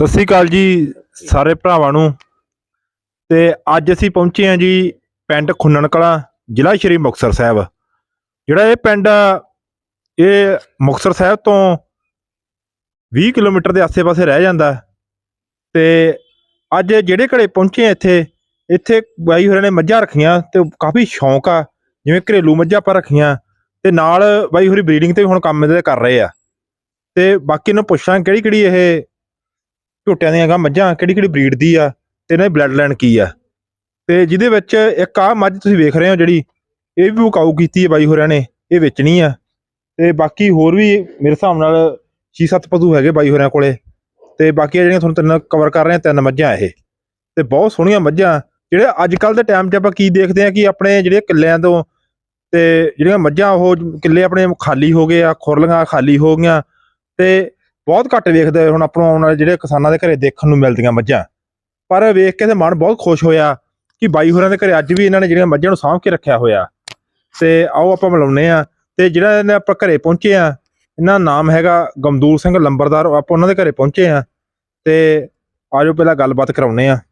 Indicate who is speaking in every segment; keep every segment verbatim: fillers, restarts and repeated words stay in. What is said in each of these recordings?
Speaker 1: ਸਤਿ ਸ਼੍ਰੀ ਅਕਾਲ ਜੀ ਸਾਰੇ ਭਰਾਵਾਂ ਨੂੰ। ਤੇ ਅੱਜ ਅਸੀਂ ਪਹੁੰਚੇ ਹਾਂ ਜੀ ਪਿੰਡ ਖੁੰਨਣ ਕਲਾਂ, ਜ਼ਿਲ੍ਹਾ ਸ਼੍ਰੀ ਮੁਕਤਸਰ ਸਾਹਿਬ। ਜਿਹੜਾ ਇਹ ਪਿੰਡ ਆ ਇਹ ਮੁਕਤਸਰ ਸਾਹਿਬ ਤੋਂ ਵੀਹ ਕਿਲੋਮੀਟਰ ਦੇ ਆਸੇ ਪਾਸੇ ਰਹਿ ਜਾਂਦਾ। ਤੇ ਅੱਜ ਜਿਹੜੇ ਘਰੇ ਪਹੁੰਚੇ ਆ ਇੱਥੇ ਇੱਥੇ ਬਾਈ ਹੋਰਾਂ ਨੇ ਮੱਝਾਂ ਰੱਖੀਆਂ ਤੇ ਕਾਫੀ ਸ਼ੌਂਕ ਆ, ਜਿਵੇਂ ਘਰੇਲੂ ਮੱਝਾਂ ਆਪਾਂ ਰੱਖੀਆਂ ਤੇ ਨਾਲ ਬਾਈ ਹੋਰੀ ਬਰੀਡਿੰਗ ਤੇ ਵੀ ਹੁਣ ਕੰਮ ਇਹਦੇ ਕਰ ਰਹੇ ਆ। ਤੇ ਬਾਕੀ ਨੂੰ ਪੁੱਛਾਂ ਕਿਹੜੀ ਕਿਹੜੀ ਇਹ ਝੋਟਿਆਂ ਦੀਆਂ ਗਾ ਮੱਝਾਂ ਕਿਹੜੀ ਕਿਹੜੀ ਬਰੀਡ ਦੀ ਆ ਤੇ ਇਹਨਾਂ ਦੀ ਬਲੱਡ ਲਾਈਨ ਕੀ ਆ। ਤੇ ਜਿਹਦੇ ਵਿੱਚ ਇੱਕ ਆਹ ਮੱਝ ਤੁਸੀਂ ਵੇਖ ਰਹੇ ਹੋ ਜਿਹੜੀ ਇਹ ਵੀ ਵਿਕਾਊ ਕੀਤੀ ਹੈ ਬਾਈ ਹੋਰਾਂ ਨੇ, ਇਹ ਵੇਚਣੀ ਆ। ਤੇ ਬਾਕੀ ਹੋਰ ਵੀ ਮੇਰੇ ਹਿਸਾਬ ਨਾਲ ਛੇ ਸੱਤ ਪਸ਼ੂ ਹੈਗੇ ਬਾਈ ਹੋਰਾਂ ਕੋਲੇ। ਤੇ ਬਾਕੀ ਜਿਹੜੀਆਂ ਤੁਹਾਨੂੰ ਤਿੰਨ ਕਵਰ ਕਰ ਰਹੇ ਆ, ਤਿੰਨ ਮੱਝਾਂ ਇਹ ਤੇ ਬਹੁਤ ਸੋਹਣੀਆਂ ਮੱਝਾਂ। ਜਿਹੜੇ ਅੱਜ ਕੱਲ੍ਹ ਦੇ ਟਾਈਮ 'ਚ ਆਪਾਂ ਕੀ ਦੇਖਦੇ ਹਾਂ ਕਿ ਆਪਣੇ ਜਿਹੜੇ ਕਿੱਲਿਆਂ ਤੋਂ ਤੇ ਜਿਹੜੀਆਂ ਮੱਝਾਂ ਉਹ ਕਿੱਲੇ ਆਪਣੇ ਖਾਲੀ ਹੋ ਗਏ ਆ, ਖੁਰਲੀਆਂ ਖਾਲੀ ਹੋ ਗਈਆਂ ਤੇ ਬਹੁਤ ਘੱਟ ਵੇਖਦੇ ਹੁਣ ਆਪਾਂ ਆਉਣ ਵਾਲੇ ਜਿਹੜੇ ਕਿਸਾਨਾਂ ਦੇ ਘਰੇ ਦੇਖਣ ਨੂੰ ਮਿਲਦੀਆਂ ਮੱਝਾਂ। ਪਰ ਵੇਖ ਕੇ ਤੇ ਮਨ ਬਹੁਤ ਖੁਸ਼ ਹੋਇਆ ਕਿ ਬਾਈ ਹੋਰਾਂ ਦੇ ਘਰੇ ਅੱਜ ਵੀ ਇਹਨਾਂ ਨੇ ਜਿਹੜੀਆਂ ਮੱਝਾਂ ਨੂੰ ਸਾਂਭ ਕੇ ਰੱਖਿਆ ਹੋਇਆ। ਤੇ ਆਓ ਆਪਾਂ ਮਿਲਾਉਂਦੇ ਆ। ਤੇ ਜਿਹੜਾ ਇਹਨੇ ਆਪਾਂ ਘਰੇ ਪਹੁੰਚੇ ਆ, ਇਹਨਾਂ ਦਾ ਨਾਮ ਹੈਗਾ ਗਮਦੂਰ ਸਿੰਘ ਲੰਬਰਦਾਰ। ਆਪਾਂ ਉਹਨਾਂ ਦੇ ਘਰੇ ਪਹੁੰਚੇ ਆ ਤੇ ਆਜੋ ਪਹਿਲਾਂ ਗੱਲਬਾਤ ਕਰਾਉਂਦੇ ਆ।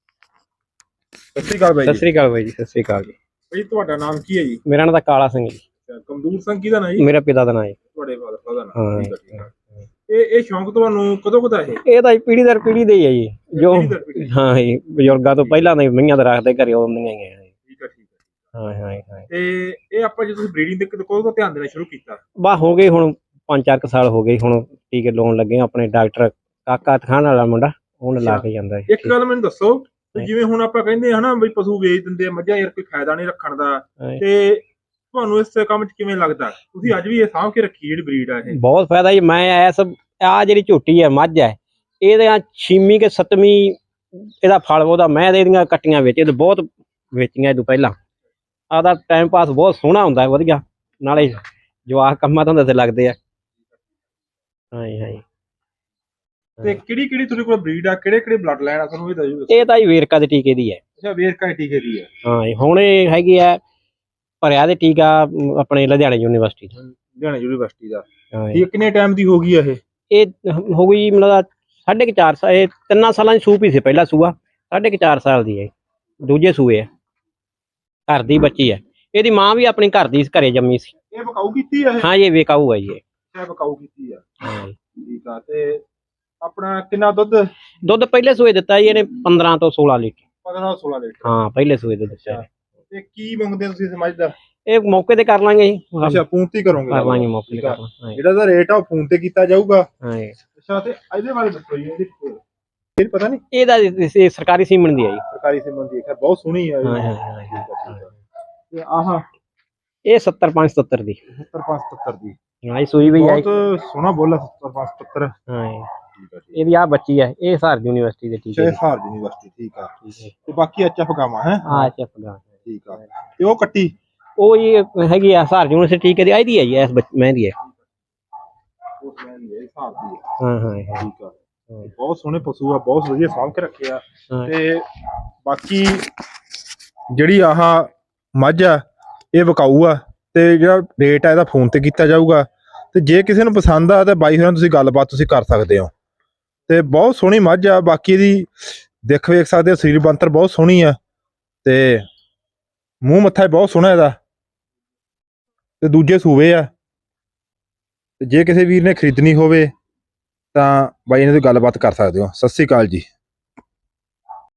Speaker 1: ਸਤਿ ਸ਼੍ਰੀ ਅਕਾਲ ਬਾਈ।
Speaker 2: ਸਤਿ ਸ਼੍ਰੀ ਅਕਾਲ ਬਾਈ ਜੀ। ਸਤਿ ਸ਼੍ਰੀ ਅਕਾਲ ਜੀ।
Speaker 1: ਬਾਈ ਤੁਹਾਡਾ ਨਾਮ ਕੀ ਹੈ ਜੀ?
Speaker 2: ਮੇਰਾ ਨਾਮ ਤਾਂ ਕਾਲਾ ਸਿੰਘ ਜੀ।
Speaker 1: ਗਮਦੂਰ ਸਿੰਘ ਕਿਹਦਾ ਨਾਂ ਜੀ?
Speaker 2: ਮੇਰਾ ਪਿਤਾ ਦਾ ਨਾਮ ਹੈ।
Speaker 1: ਤੁਹਾਡੇ ਫਾਦਰ ਦਾ ਨਾਮ? ਠੀਕ ਹੈ ਠੀਕ ਹੈ। ਇਹ ਇਹ ਸ਼ੌਂਕ ਤੁਹਾਨੂੰ ਕਦੋਂ ਕਦਾ ਇਹ?
Speaker 2: ਇਹ ਤਾਂ ਪੀੜੀ ਦਰ ਪੀੜੀ ਦੇ ਹੀ ਹੈ ਜੀ, ਜੋ ਹਾਂ ਜੀ ਬਜ਼ੁਰਗਾਂ ਤੋਂ ਪਹਿਲਾਂ ਦੇ ਮਈਆਂ ਦੇ ਰੱਖਦੇ ਘਰੇ ਆਉਂਦੀਆਂ ਹੀ ਆ।
Speaker 1: ਠੀਕ ਹੈ ਠੀਕ ਹੈ।
Speaker 2: ਹਾਂ ਹਾਂ ਹਾਂ।
Speaker 1: ਤੇ ਇਹ ਆਪਾਂ ਜਦੋਂ ਤੁਸੀਂ ਬਰੀਡਿੰਗ ਦੇ ਕਦੋਂ ਤੋਂ ਧਿਆਨ ਦੇਣਾ ਸ਼ੁਰੂ ਕੀਤਾ?
Speaker 2: ਬਾ ਹੋ ਗਏ ਹੁਣ ਪੰਜ ਚਾਰ ਕੁ ਸਾਲ ਹੋ ਗਏ। ਹੁਣ ਟੀਕੇ ਲਾਉਣ ਲੱਗੇ ਆਪਣੇ ਡਾਕਟਰ ਕਾਕਾ ਖਾਨ ਵਾਲਾ ਮੁੰਡਾ, ਉਹਨੇ ਲਾ ਕੇ ਜਾਂਦਾ।
Speaker 1: ਇੱਕ ਗੱਲ ਮੈਨੂੰ ਦੱਸੋ, ਜਿਵੇਂ ਹੁਣ ਆਪਾਂ ਕਹਿੰਦੇ ਹਨਾ ਬਈ ਪਸ਼ੂ ਵੇਚ ਦਿੰਦੇ ਆ ਮੱਝਾਂ, ਯਾਰ ਕੋਈ ਫਾਇਦਾ ਨਹੀਂ ਰੱਖਣ ਦਾ, ਤੇ ਤੁਹਾਨੂੰ ਇਸ ਕੰਮ 'ਚ ਕਿਵੇਂ ਲੱਗਦਾ? ਤੁਸੀਂ ਅੱਜ ਵੀ ਇਹ ਸਾਂਭ ਕੇ ਰੱਖੀ ਜਿਹੜੀ ਬਰੀਡ ਆ ਇਹ?
Speaker 2: ਬਹੁਤ ਫਾਇਦਾ ਜੀ। ਮੈਂ ਇਸ ਆ ਜਿਹੜੀ ਝੋਟੀ ਹੈ ਮੱਝ ਹੈ, ਇਹਦੇ ਛੇਵੀਂ ਕਿ ਸੱਤਵੀਂ ਇਹਦਾ ਫਲ ਉਹਦਾ ਮੈਂ ਇਹਦੀਆਂ ਕੱਟੀਆਂ ਵੇਚੇ ਤੇ ਬਹੁਤ ਵੇਚੀਆਂ। ਇਹ ਤੋਂ ਪਹਿਲਾਂ ਆਦਾ ਟਾਈਮ ਪਾਸ ਬਹੁਤ ਸੋਹਣਾ ਹੁੰਦਾ, ਵਧੀਆ, ਨਾਲੇ ਜਵਾਕ ਕੰਮਾਂ ਧੰਦੇ ਤੇ ਲੱਗਦੇ ਆ। ਹਾਂਜੀ ਹਾਂਜੀ।
Speaker 1: ਤੇ ਕਿਹੜੀ ਕਿਹੜੀ ਤੁਹਾਡੇ ਕੋਲ ਬਰੀਡ ਆ, ਕਿਹੜੇ ਕਿਹੜੇ ਬਲੱਡ ਲਾਈਨ ਆ, ਤੁਹਾਨੂੰ ਇਹ ਦੱਸੋ।
Speaker 2: ਇਹ ਤਾਂ ਜੀ ਵੇਰਕਾ ਦੇ ਟੀਕੇ ਦੀ ਹੈ।
Speaker 1: ਅੱਛਾ, ਵੇਰਕਾ ਦੇ ਟੀਕੇ ਦੀ ਹੈ।
Speaker 2: ਹਾਂ ਹੁਣ ਇਹ ਹੈਗੀ ਆ ਭਰਿਆ ਦੇ ਟੀਕਾ ਆਪਣੇ ਲੁਧਿਆਣੇ ਯੂਨੀਵਰਸਿਟੀ ਦਾ।
Speaker 1: ਲੁਧਿਆਣੇ ਯੂਨੀਵਰਸਿਟੀ ਦਾ। ਇਹ ਕਿੰਨੇ ਟਾਈਮ ਦੀ ਹੋ ਗਈ ਆ ਇਹ?
Speaker 2: ਇਹ ਹੋ ਗਈ ਮਤਲਬ ਸਾਢੇ ਕੁ ਚਾਰ ਸਾਲ, ਇਹ ਤਿੰਨਾਂ ਸਾਲਾਂ ਦੀ ਸੂਪ ਹੀ ਸੀ। ਪਹਿਲਾ ਸੂਆ ਸਾਢੇ ਕੁ ਚਾਰ ਸਾਲ ਦੀ ਹੈ, ਦੂਜੇ ਸੂਏ ਹੈ, ਘਰ ਦੀ ਬੱਚੀ ਹੈ। ਇਹਦੀ ਮਾਂ ਵੀ ਆਪਣੀ ਘਰ ਦੀ ਘਰੇ ਜੰਮੀ ਸੀ।
Speaker 1: ਇਹ ਵਿਕਾਊ ਕੀਤੀ ਆ ਇਹ? ਹਾਂ
Speaker 2: ਇਹ ਵਿਕਾਊ ਹੈ ਜੀ।
Speaker 1: ਇਹ ਵਿਕਾਊ ਕੀਤੀ ਆ। ਹਾਂ ਠੀਕ ਆ। ਤੇ ਆਪਣਾ ਕਿੰਨਾ ਦੁੱਧ? ਦੁੱਧ
Speaker 2: ਪਹਿਲੇ ਸੂਏ ਦਿੱਤਾ ਜੀ ਇਹਨੇ ਪੰਦਰਾਂ ਤੋਂ ਸੋਲਾਂ ਲੀਟਰ।
Speaker 1: ਪੰਦਰਾਂ ਤੋਂ ਸੋਲਾਂ ਲੀਟਰ? ਹਾਂ
Speaker 2: ਪਹਿਲੇ ਸੂਏ ਦੇ ਦਿੱਤਾ।
Speaker 1: ਤੇ ਕੀ ਮੰਗਦੇ ਤੁਸੀਂ ਸਮਝ ਦਾ?
Speaker 2: ਇਹ ਮੌਕੇ ਤੇ ਕਰ ਲਾਂਗੇ ਜੀ।
Speaker 1: ਅੱਛਾ, ਫੋਨ ਤੇ ਕਰੋਗੇ?
Speaker 2: ਕਰ ਲਾਂਗੇ ਮੌਕੇ ਤੇ।
Speaker 1: ਜਿਹੜਾ ਦਾ ਰੇਟ ਆ ਉਹ ਫੋਨ ਤੇ ਕੀਤਾ ਜਾਊਗਾ।
Speaker 2: ਹਾਂ।
Speaker 1: ਅੱਛਾ, ਤੇ ਇਹਦੇ ਬਾਰੇ ਦੱਸੋ ਜੀ। ਇਹਦੀ ਇਹ ਪਤਾ ਨਹੀਂ?
Speaker 2: ਇਹਦਾ ਸਰਕਾਰੀ ਸੀਮਨ ਦੀ ਹੈ ਜੀ।
Speaker 1: ਸਰਕਾਰੀ ਸੀਮਨ ਦੀ ਹੈ, ਬਹੁਤ ਸੋਹਣੀ ਹੈ।
Speaker 2: ਹਾਂ ਹਾਂ।
Speaker 1: ਤੇ ਆਹ
Speaker 2: ਇਹ ਸੱਤਰ ਪੰਜ ਸਤੱਤਰ ਦੀ।
Speaker 1: ਸੱਤਰ ਪੰਜ ਸਤੱਤਰ ਦੀ?
Speaker 2: ਹਾਂ, ਇਹ ਸੂਈ ਵੀ ਹੈ।
Speaker 1: ਬਹੁਤ ਸੋਹਣਾ ਬੋਲਾ ਸੱਤਰ ਪੰਜ ਸਤੱਤਰ।
Speaker 2: ਹਾਂ। ਇਹਦੀ ਆ ਬੱਚੀ ਹੈ, ਇਹ ਹਸਾਰ ਯੂਨੀਵਰਸਿਟੀ ਦੇ ਟੀਕੇ।
Speaker 1: ਹਸਾਰ ਯੂਨੀਵਰਸਿਟੀ। ਠੀਕ ਆ। ਤੇ ਬਾਕੀ ਐਚ ਐਫ ਗਾਵਾਂ ਹੈ?
Speaker 2: ਹਾਂ ਐਚ ਐਫ ਗਾਵਾਂ।
Speaker 1: ਠੀਕ ਆ। ਤੇ ਉਹ ਕੱਟੀ
Speaker 2: ਉਹ ਇਹ ਹੈਗੀ ਆ ਹਸਾਰ ਯੂਨੀਵਰਸਿਟੀ ਟੀਕੇ ਦੀ। ਇਹਦੀ ਹੈ ਜੀ, ਇਸ ਮੈਂ ਦੀ ਹੈ। ਹਾਂ ਹਾਂ
Speaker 1: ਠੀਕ ਆ। ਬਹੁਤ ਸੋਹਣੇ ਪਸ਼ੂ ਆ, ਬਹੁਤ ਵਧੀਆ ਸਾਂਭ ਕੇ ਰੱਖੇ ਆ। ਤੇ ਬਾਕੀ ਜਿਹੜੀ ਆਹ ਮੱਝ ਆ ਇਹ ਵਿਕਾਊ ਆ ਤੇ ਜਿਹੜਾ ਰੇਟ ਆ ਇਹਦਾ ਫੋਨ ਤੇ ਕੀਤਾ ਜਾਊਗਾ। ਤੇ ਜੇ ਕਿਸੇ ਨੂੰ ਪਸੰਦ ਆ ਤਾਂ ਬਾਈ ਹੋਰਾਂ ਤੁਸੀਂ ਗੱਲਬਾਤ ਤੁਸੀਂ ਕਰ ਸਕਦੇ ਹੋ। ਤੇ ਬਹੁਤ ਸੋਹਣੀ ਮੱਝ ਆ। ਬਾਕੀ ਇਹਦੀ ਦਿੱਖ ਵੇਖ ਸਕਦੇ ਹੋ, ਸਰੀਰ ਬਣਤਰ ਬਹੁਤ ਸੋਹਣੀ ਆ ਤੇ ਮੂੰਹ ਮੱਥਾ ਬਹੁਤ ਸੋਹਣਾ ਇਹਦਾ। ਤੇ ਦੂਜੇ ਸੂਵੇ ਆ। ਤੇ ਜੇ ਕਿਸੇ ਵੀਰ ਨੇ ਖਰੀਦਣੀ ਹੋਵੇ ਤਾਂ ਬਾਈ ਇਹਨਾਂ ਦੀ ਗੱਲਬਾਤ ਕਰ ਸਕਦੇ ਹੋ। ਸਤਿ ਸ਼੍ਰੀ ਅਕਾਲ ਜੀ।